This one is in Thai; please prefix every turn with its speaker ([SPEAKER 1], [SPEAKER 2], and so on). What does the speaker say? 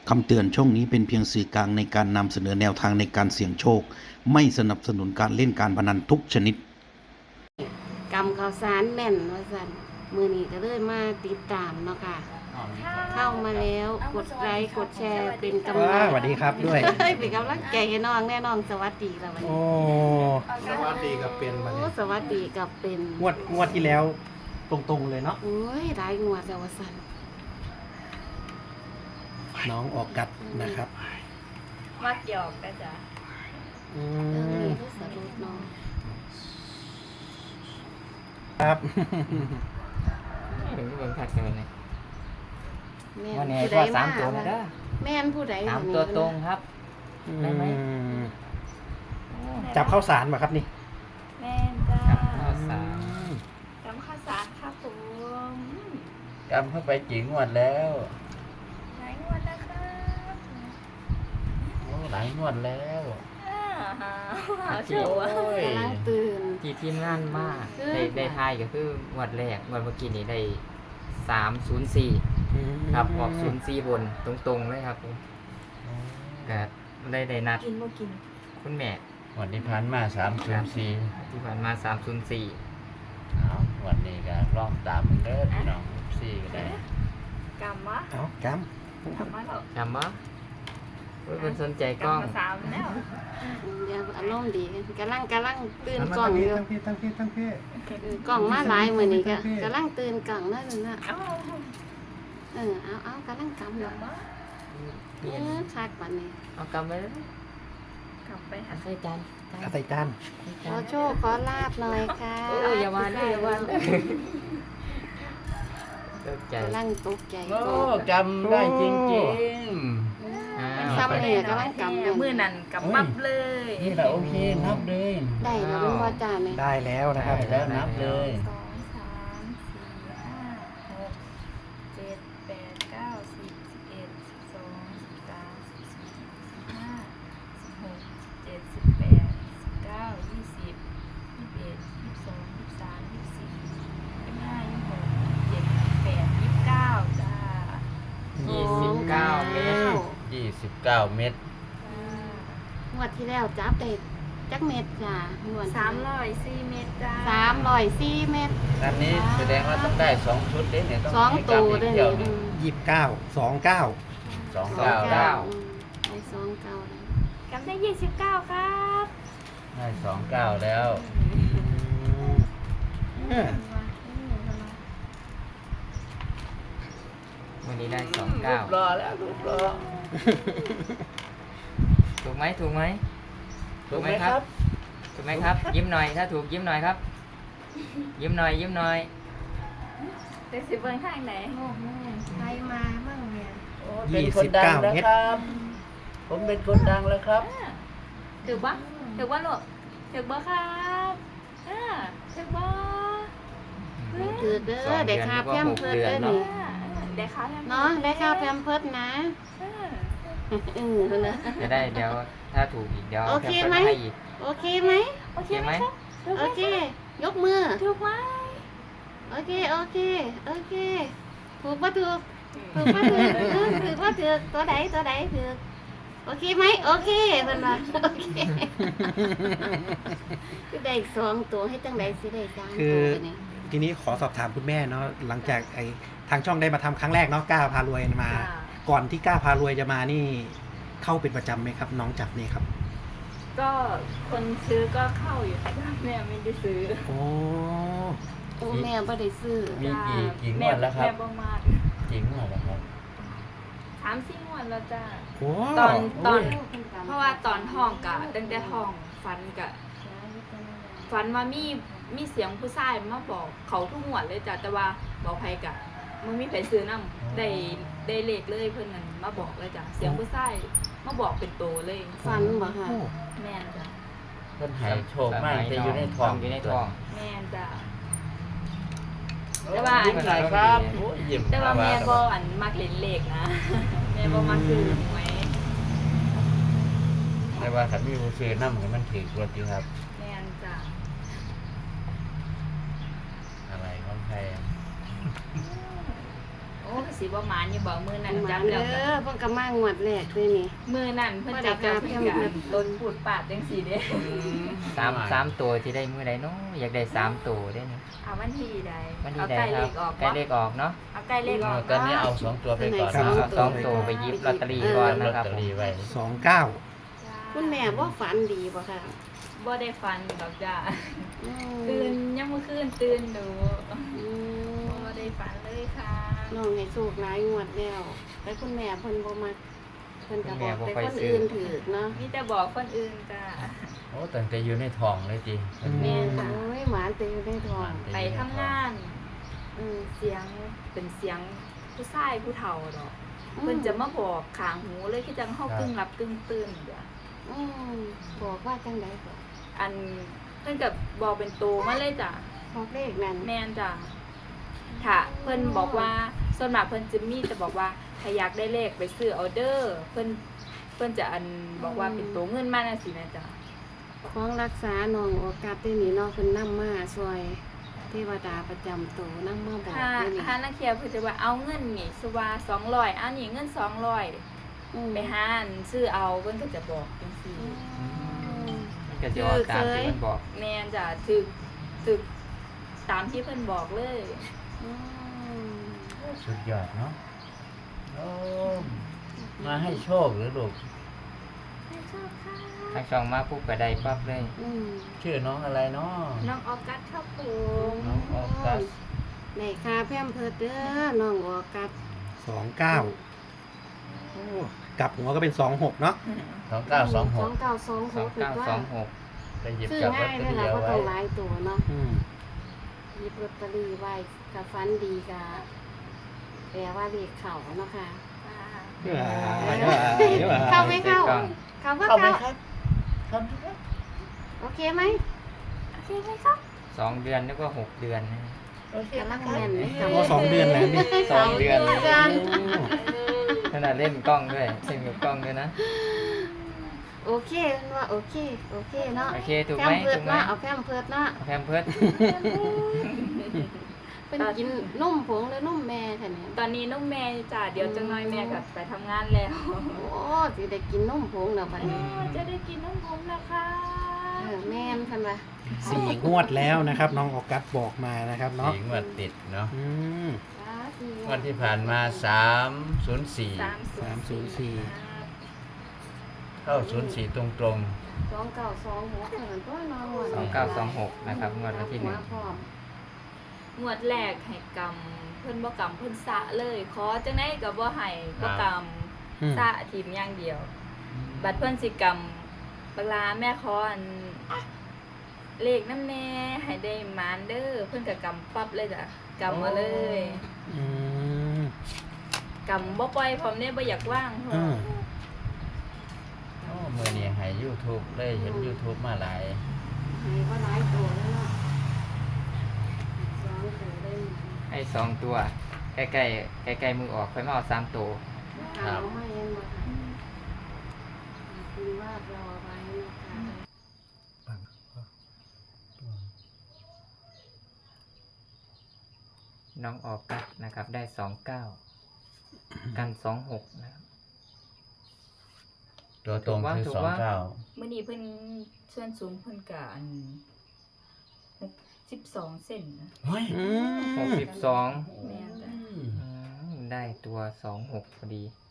[SPEAKER 1] คำเตือนช่องนี้เป็นเพียงสื่อกลางในการนำเสนอแนวทางในการเสี่ยงโชคไม่สนับสนุนการเล่นการพนันทุกชนิด
[SPEAKER 2] กำข้าวสารแม่นว่าซั่นมื้อนี้ก็เลยมาติดตามเนาะค่ะเข้ามาแล้วกดไลค์กดแชร์เป็นกำลัง
[SPEAKER 3] สวัสดีครับด้วย
[SPEAKER 2] เป็นกำลังใจให้น้องแน่น้องสวัสดีแล้ววัน
[SPEAKER 3] โอ้
[SPEAKER 2] นี้
[SPEAKER 4] สวัสดีกับเป็นวัน
[SPEAKER 2] โอ้
[SPEAKER 4] นี้
[SPEAKER 2] สวัสดีกับเป็น
[SPEAKER 3] งวดที่แล้วตรงๆเลยเนาะ
[SPEAKER 2] โอ้ยหลายงวดแล้วว่าซั่น
[SPEAKER 3] น้องออกกัดนะครับ
[SPEAKER 5] มักหยอกนะจ๊ะ
[SPEAKER 3] อื
[SPEAKER 2] เรื่อง
[SPEAKER 3] ม
[SPEAKER 2] นี้ก็สรุปเนาะ
[SPEAKER 3] ครับ
[SPEAKER 6] ถึงเบิ่งคักกันเลย
[SPEAKER 2] แม่
[SPEAKER 6] วันนี้
[SPEAKER 2] ผู้
[SPEAKER 6] ก็
[SPEAKER 2] ใด
[SPEAKER 6] สามตัวนะเด้อ
[SPEAKER 2] แม่นผู้ใด
[SPEAKER 6] สาม
[SPEAKER 2] คนนี้
[SPEAKER 6] ตัวตรงครับ ได้ไหม
[SPEAKER 3] จับข้าวสารมาครับนี่
[SPEAKER 5] แม่นจ้า
[SPEAKER 6] ครับข้าวสาร
[SPEAKER 5] จำข้าวสารครับผม
[SPEAKER 4] กำเข้าไปกี่งวดแล้ว
[SPEAKER 5] ไหนงวดนะครับ
[SPEAKER 4] โอ้หลายงวดแล้ว
[SPEAKER 5] หาชื่อวะ
[SPEAKER 4] โอ้ย
[SPEAKER 2] กำลังตื่น
[SPEAKER 6] ที่ทีมงานมาก
[SPEAKER 2] คือ
[SPEAKER 6] ได้ทายก็คืองวดแรกงวดเมื่อกี้นี้ได้304ครับออก04บนตรงๆเลยครับผมก็ได้นัด
[SPEAKER 5] กินบ่กิน
[SPEAKER 6] คุณแม่
[SPEAKER 4] วันนี้ผ่านมา304
[SPEAKER 6] ที่ผ่านมา304
[SPEAKER 4] เอาวันนี้ก็ลองตามมันเด้อพี่น้อง4ก็ได้
[SPEAKER 5] กำมะ
[SPEAKER 3] เอาก
[SPEAKER 5] กำมะเหรอ
[SPEAKER 6] จำบ่เพิ่นสนใจกล้อง
[SPEAKER 5] กำมาสามแล้ว
[SPEAKER 2] เดี๋ยวอารมณ์ดีกันกำลังตื่น
[SPEAKER 3] ำ
[SPEAKER 2] กล่องอยู่
[SPEAKER 3] ตั้งพี่
[SPEAKER 2] กล่องมาหลายมื้อนี้ก็กำลังตื่นกล่องนั่นน่ะ
[SPEAKER 5] เอ้า
[SPEAKER 2] เอากำลังกำอยู่
[SPEAKER 5] กำมะ
[SPEAKER 2] คักบัดนี้
[SPEAKER 6] เอากำไว้เลย
[SPEAKER 5] กำไปหา
[SPEAKER 6] เอาใส่จาน
[SPEAKER 3] เอาใส่จาน
[SPEAKER 2] ขอโชคขอลาบหน่อยค่ะ
[SPEAKER 6] โอ้ยอย่าว่าเลยอย่าว่าเลยตกใจ
[SPEAKER 2] กำลังตกใจ
[SPEAKER 4] โอ้
[SPEAKER 2] ก่อน
[SPEAKER 4] จำได้จริง
[SPEAKER 2] มันซ้ำเนี่ยกำลังกำอยู่
[SPEAKER 5] มือนั่นกำมับเลย
[SPEAKER 4] ๆนี่แหละโอเคนับเลย
[SPEAKER 2] ได้แล้วเป็นว่าจ้าเนี่ย
[SPEAKER 3] ได้แล้วนะครับ
[SPEAKER 4] ได้แล้วนับเลย
[SPEAKER 5] 2 3 4 5 6 7 8 9 10 11 12 13 14 15 16 17 18 19 20 21 22 23 24 25 26 27 28 29จ้า
[SPEAKER 6] 29 เมตร
[SPEAKER 4] 29 เม็ด
[SPEAKER 2] งวดที่แล้วจับได้จักเม็ดจ้างวด
[SPEAKER 5] 304 เมตรจ้า
[SPEAKER 2] 304เม็ด
[SPEAKER 4] อันนี้แสดงว่าต้องได้2ชุดเด้เนี่ยต้อง
[SPEAKER 2] สอง
[SPEAKER 4] ให้
[SPEAKER 2] ตัว
[SPEAKER 4] กำ
[SPEAKER 2] ด้วย
[SPEAKER 4] เดียว
[SPEAKER 2] นี่
[SPEAKER 4] นี่
[SPEAKER 3] 29 29
[SPEAKER 4] 29
[SPEAKER 2] ได้29เลย
[SPEAKER 5] กำได้ 29 ครับ
[SPEAKER 4] ได้29แล้ว
[SPEAKER 3] เออ
[SPEAKER 6] วันนี้ได้
[SPEAKER 4] รูป
[SPEAKER 6] 29
[SPEAKER 4] รอแล้วรูปรอ
[SPEAKER 6] ถูกไหมถูกไหม
[SPEAKER 4] ถูกไหมครับ
[SPEAKER 6] ถูกไหมครับ ยิ้มหน่อยถ้าถูกยิ้มหน่อยครับ ยิ้มหน่อยยิ้มหน่อย
[SPEAKER 5] เด็กสิเบิ้งข้างไหน
[SPEAKER 2] ใครมาบ้างเนี่ย
[SPEAKER 4] โอ้เป็นคนดังแล้วครับ ผมเป็นคนดังแล้วครับ
[SPEAKER 5] ถือปะถือว่าลูกถือบ่ครับถือบ่
[SPEAKER 2] ถือเด้อได้ค่าแพมเพิร์ดเด้อนี่
[SPEAKER 5] เด็กขาแทน
[SPEAKER 2] เนาะได้ค่าแพมเพิร์ดนะนะ
[SPEAKER 6] จะได้เดี๋ยวถ้าถูกอีกเดี๋ยว
[SPEAKER 2] โอเค
[SPEAKER 6] แถ
[SPEAKER 2] ไหม
[SPEAKER 6] ให้อีก
[SPEAKER 2] โอเคไหม
[SPEAKER 5] โอเค
[SPEAKER 6] โอเค
[SPEAKER 5] ไห
[SPEAKER 6] ไห
[SPEAKER 5] ม
[SPEAKER 6] ม
[SPEAKER 2] โอเค ยกมือ
[SPEAKER 5] ถูกไหม
[SPEAKER 2] โอเคโอเคโอเคถูกป่ะถูกถูกป่ะถูกถูกป่ะถูกตัวใดถูกโอเคไหมโอเคเพิ่นว่าโอเคคือได้สองตัวให้จังไดสิได้สาม
[SPEAKER 3] คื
[SPEAKER 2] ตั
[SPEAKER 3] อ
[SPEAKER 2] วนี่
[SPEAKER 3] ทีนี้ขอสอบถามคุณแม่เนาะหลังจากทางช่องได้มาทำครั้งแรกเนาะกล้าพารวยมา ก่อนที่กล้าพารวยจะมานี่เข้าเป็นประจำไหมครับ น้องจับนี่ครับ
[SPEAKER 5] ก็คนซื้อก็กี่แม่ไม่ได้ซื้อ
[SPEAKER 3] โอ้
[SPEAKER 2] โอ้แม่บ่ได้ซื้อ
[SPEAKER 4] มีกี่งวดแล้วครับ
[SPEAKER 5] แม่บ่มา
[SPEAKER 4] กี่งวดแล้วครับ
[SPEAKER 5] 3-4 งวดแล้วจ้า
[SPEAKER 3] โห
[SPEAKER 5] ตอน
[SPEAKER 4] อุ้ย
[SPEAKER 5] เพราะว่าตอนท้องกะตั้งแต่ท้องฝันกะฝันว่ามีเสียงผู้ชายมาบอกเขาทุกงวดเลยจ้ะแต่ว่าบอกไผกะมันมีไผซื้อนำได้เลขเลยเพิ่นนั่นมาบอกเลยจ้ะเสียงผู้ชายมาบอกเป็นโตเลย
[SPEAKER 2] ฟันบ่ค่ะ
[SPEAKER 3] โอ้
[SPEAKER 5] แม่นจ้ะ
[SPEAKER 4] เพิ่นให้โชคมากแต่อยู่ในท้อง
[SPEAKER 6] อยู่ในท้อง
[SPEAKER 5] แม่นจ้ะ
[SPEAKER 4] แต่ว่ายิ้มหน่อยครับโอ้ยยิ้ม
[SPEAKER 5] แต่ว่าแม่บ่อันมักเล่นเลขนะ แม่บ่มักซื้อหวย
[SPEAKER 4] แต่ว่าถ้ามีผู้ซื้อนำให้มันถูกรถอยู่ครับ
[SPEAKER 5] แม่นจ้ะ
[SPEAKER 4] อะไรของใครอะ
[SPEAKER 5] โอ้สิสิบ่หมานอยู่บ่มื้อนั้น
[SPEAKER 2] หมา
[SPEAKER 5] จับ
[SPEAKER 2] เด้
[SPEAKER 5] แล้ว
[SPEAKER 2] อเพิ่นก็มางวดแรกเลยนี่
[SPEAKER 5] มื้อนั้นเพิ่นจับแล้วเพิ่นก็ต้นพูดปาดจังซี่เด้
[SPEAKER 6] สามตัวที่ได้มือใดเนาะอยากได้3ตัวได้นี่
[SPEAKER 5] เอาวันที่ใด
[SPEAKER 6] วัน
[SPEAKER 5] เอา
[SPEAKER 6] ที่ใด
[SPEAKER 5] ใกล้
[SPEAKER 6] ค
[SPEAKER 5] เล
[SPEAKER 6] รับ
[SPEAKER 5] ขออก
[SPEAKER 6] ใกล้เลขออกเนาะ
[SPEAKER 5] เอาใกล้เลขออก
[SPEAKER 4] ตอนนี้เอา2 ตัวไปก่อน
[SPEAKER 3] ครับ
[SPEAKER 4] เนาะ
[SPEAKER 6] สองตัวไปหยิบลอตเตอรี่ก่อน
[SPEAKER 4] ลอต
[SPEAKER 6] นะครับ
[SPEAKER 4] เตอ
[SPEAKER 6] ผม
[SPEAKER 4] รี่ไว้
[SPEAKER 3] 29
[SPEAKER 2] คุณแม่บ่ฝันดีบ่ค่ะ
[SPEAKER 5] บ่ได้ฟันดอกจ้า
[SPEAKER 2] อืม
[SPEAKER 5] ตื่นยังมื้อคืนตื่นดู
[SPEAKER 2] อืม
[SPEAKER 5] บ่ได้ฟันเลยค่ะ
[SPEAKER 2] น้องให้โชคหลายงวดแล้วแต่คุณแม่เพิ่นบ่มักเพิ่นก็บอกแต่คนอื่นถือเนาะ
[SPEAKER 5] มีแต่บอกคนอื่นจ้า
[SPEAKER 4] โอ้ตั้งแต่อยู่ในท้องเลยติ
[SPEAKER 2] แม่นโอ้ยหมาเต็มได้ทอง
[SPEAKER 5] ไปทำงาน
[SPEAKER 2] อืม
[SPEAKER 5] เสียงเป็นเสียงผู้ชายผู้เฒ่าดอกเพิ่นจะมาบอกข้างหูเลยคือจังเฮากึ่งหลับกึ่งตื่นจ้ะ
[SPEAKER 2] อืมบอกว่าจังได๋ก็
[SPEAKER 5] อันเพิ่นก็บอกเป็นตัวมาเลยจ้ะ
[SPEAKER 2] บอกเลขนั่น
[SPEAKER 5] แม่นจ้ะถ้าเพิ่นบอกว่าส่วนมากเพิ่นจะมีแต่บอกว่าถ้าอยากได้เลขไปซื้อเอาเด้อเพิ่นจะอันบอกว่าเป็นตัวเงินมาจังซี่แม่จ้ะ
[SPEAKER 2] ของรักษาน้องโอกาสได้นี่เนาะเพิ่นนำมาช่วยเทวดาประจำตัวนำมาบอก
[SPEAKER 5] ถ้า
[SPEAKER 2] ได้นี่
[SPEAKER 5] ถ้านักเที่ยวเพิ่นจะว่าเอาเงินนี่สว่า200อันนี้เงิน200
[SPEAKER 2] อืม
[SPEAKER 5] ไปหาอันซื้อเอาเพิ่นก็จะบอกจังซี่
[SPEAKER 6] มันก็จะออกตามที่มันบอก
[SPEAKER 5] แม่นจ้ะถึกตามที่เพิ่นบอกเลย
[SPEAKER 2] อืม
[SPEAKER 4] สุดยอดเนาะโอ้มาให้โชคหรือลูก
[SPEAKER 5] ให้ชอบค่ะ
[SPEAKER 6] ทางช่องมาปุ๊บก็ได้ปั๊บเลย
[SPEAKER 2] อืม
[SPEAKER 4] ชื่อน้องอะไรเนาะ
[SPEAKER 5] น้องออกัสครับผม
[SPEAKER 4] น้องออกัส
[SPEAKER 2] ในค่าแพมเพิร์ดเด้อน้องโอกาส
[SPEAKER 3] 29โอ้กลับหัวก็เป็น 26 เนาะ
[SPEAKER 4] 2926
[SPEAKER 2] 2926คือว่า
[SPEAKER 6] 2926
[SPEAKER 4] ไปหยิบ
[SPEAKER 2] ซื้อ
[SPEAKER 4] จับลอ
[SPEAKER 2] ง่า
[SPEAKER 4] ต
[SPEAKER 2] ย
[SPEAKER 4] เตอ
[SPEAKER 2] ด้วย
[SPEAKER 4] รี่
[SPEAKER 2] ล่ะ
[SPEAKER 4] เอา
[SPEAKER 2] บ่
[SPEAKER 4] ไว้
[SPEAKER 2] ต้องหลายตัวเนาะ
[SPEAKER 3] อืม
[SPEAKER 2] หยิบลอตเตอรี่ไว้กับฟันดีกะแปลว่าเลขเข้าเนาะค่ะ เข้าไม่เข้า เข้าบ่
[SPEAKER 4] เข้าไหม
[SPEAKER 2] เข้า
[SPEAKER 4] ครับครับ
[SPEAKER 2] โอเคไหม
[SPEAKER 5] โอเคไหมครับ
[SPEAKER 6] 2 เดือนนึกว่า6 เดือนนะ
[SPEAKER 4] โอเค
[SPEAKER 2] กำลัง
[SPEAKER 4] ครับ
[SPEAKER 2] แม่นเลย
[SPEAKER 3] โอ้2 เดือนแล้วนี่
[SPEAKER 6] 2 เดือน
[SPEAKER 2] กัน
[SPEAKER 6] ขนาดเล่นกล้องด้วยเล่นกับกล้องด้วยนะ
[SPEAKER 2] โอเคเพิ่นว่าโอเคโอเคเนาะ
[SPEAKER 6] โอเคถูก
[SPEAKER 2] แพ
[SPEAKER 6] ไหม
[SPEAKER 2] มเพิร์
[SPEAKER 6] ถู
[SPEAKER 2] ด
[SPEAKER 6] กไหม
[SPEAKER 2] เนาะเอาแพมเพิร์ดเนาะ
[SPEAKER 6] เอาแพมเพิร์ด
[SPEAKER 2] เป็นกินนุ่มผงหรือนุ่มแม่ค่ะเนี่ย
[SPEAKER 5] ตอนนี้น้องแม่จ้ะเดี๋ยวจังน้อยแม่ก็ไปทำงานแล้ว
[SPEAKER 2] โอ้สิได้กินนุ่มผงแล้วบัดนี้
[SPEAKER 5] จะได้กินน้องผมนะคะ
[SPEAKER 2] แม่นคันว่า
[SPEAKER 3] 4 งวดแล้วนะครับ น้องออกัสบอกมานะครับเนาะ
[SPEAKER 4] 4 งวดติดเนาะ
[SPEAKER 3] อืม
[SPEAKER 4] งวดที่ผ่านมา304
[SPEAKER 3] 304
[SPEAKER 4] เข้า04ตรง
[SPEAKER 2] 2926เท่านั้นตัวน้องว่า
[SPEAKER 6] 2926นะครับงวดวันที่
[SPEAKER 2] หัพร้อม
[SPEAKER 5] งวดแรกให้กรรมเพิ่นบ่กรรมเพิ่นสะเลยขอจังได๋ก็บ่ให้บ่กรรม
[SPEAKER 3] อืม
[SPEAKER 5] สะทีมอย่างเดียว บัดเพิ่นสิกรรมบักลาแม่ขออันเลขน้ำแน่ให้ได้หมานเด้อเพิ่นก็กำปั๊บเลยจ้ะกำมาเลย
[SPEAKER 3] อืม
[SPEAKER 5] กำบ่ปล่อยพร้อมเด้บ่อยากว่างพร้อ
[SPEAKER 3] อื
[SPEAKER 5] ม
[SPEAKER 3] ม
[SPEAKER 4] ๆโอ้มื้อนี้ให้ YouTube เลยเห็น YouTube มาหลาย
[SPEAKER 2] ให้ว่าหลายตัวแล้วเนาะ2ตัวได้
[SPEAKER 6] ให้2 ตัว ใกล้ๆใกล้ๆมือออกค่อยมาเอา3 ตัว
[SPEAKER 2] เอามาเองบ่ค่ะคุณว่ารอไว้นะคะ
[SPEAKER 6] น้องออกกัสนะครับ ได้ 29 กัน 26 นะครับ
[SPEAKER 4] ตัวตรงคือ
[SPEAKER 6] ถูกว่า
[SPEAKER 4] 29
[SPEAKER 5] มื้อนี้เพิ่นส่วนสูงเพิ่นก็อัน12เซนนะ
[SPEAKER 4] เฮ้ย
[SPEAKER 3] อืม
[SPEAKER 6] 62
[SPEAKER 5] แม่นจ้ะ
[SPEAKER 6] ได้ตัว 26 พอดี